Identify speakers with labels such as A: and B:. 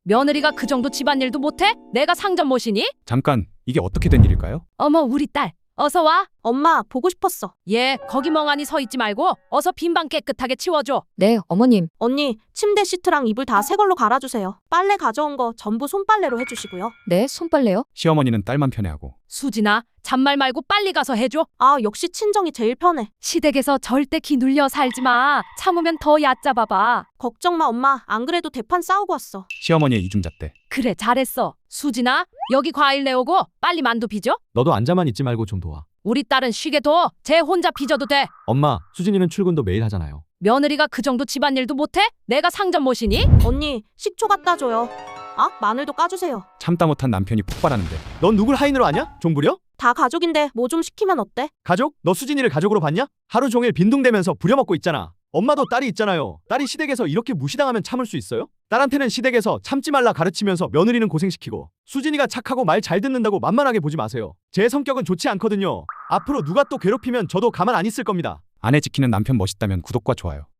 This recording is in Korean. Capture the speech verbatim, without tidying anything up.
A: 며느리가 그 정도 집안일도 못해? 내가 상점 모시니?
B: 잠깐, 이게 어떻게 된 일일까요?
A: 어머, 우리 딸 어서 와.
C: 엄마, 보고 싶었어.
A: 얘 거기 멍하니 서 있지 말고 어서 빈방 깨끗하게 치워줘.
D: 네, 어머님.
C: 언니, 침대 시트랑 이불 다 새 걸로 갈아주세요. 빨래 가져온 거 전부 손빨래로 해주시고요.
D: 네, 손빨래요?
B: 시어머니는 딸만 편애하고
A: 수진아, 잔말 말고 빨리 가서 해줘.
C: 아, 역시 친정이 제일 편해.
A: 시댁에서 절대 기 눌려 살지 마. 참으면 더 얕잡아봐.
C: 걱정 마, 엄마. 안 그래도 대판 싸우고 왔어.
B: 시어머니의 이중잣대.
A: 그래, 잘했어. 수진아, 여기 과일 내오고 빨리 만두 빚어.
E: 너도 앉아만 있지 말고 좀 도와.
A: 우리 딸은 쉬게 둬. 쟤 혼자 빚어도 돼.
E: 엄마, 수진이는 출근도 매일 하잖아요.
A: 며느리가 그 정도 집안일도 못해? 내가 상점 모시니?
C: 언니, 식초 갖다 줘요. 아, 마늘도 까주세요.
B: 참다 못한 남편이 폭발하는데
E: 넌 누굴 하인으로 아냐? 종부려?
C: 다 가족인데 뭐 좀 시키면 어때?
E: 가족? 너 수진이를 가족으로 봤냐? 하루 종일 빈둥대면서 부려먹고 있잖아. 엄마도 딸이 있잖아요. 딸이 시댁에서 이렇게 무시당하면 참을 수 있어요? 딸한테는 시댁에서 참지 말라 가르치면서 며느리는 고생시키고 수진이가 착하고 말 잘 듣는다고 만만하게 보지 마세요. 제 성격은 좋지 않거든요. 앞으로 누가 또 괴롭히면 저도 가만 안 있을 겁니다.
B: 아내 지키는 남편 멋있다면 구독과 좋아요.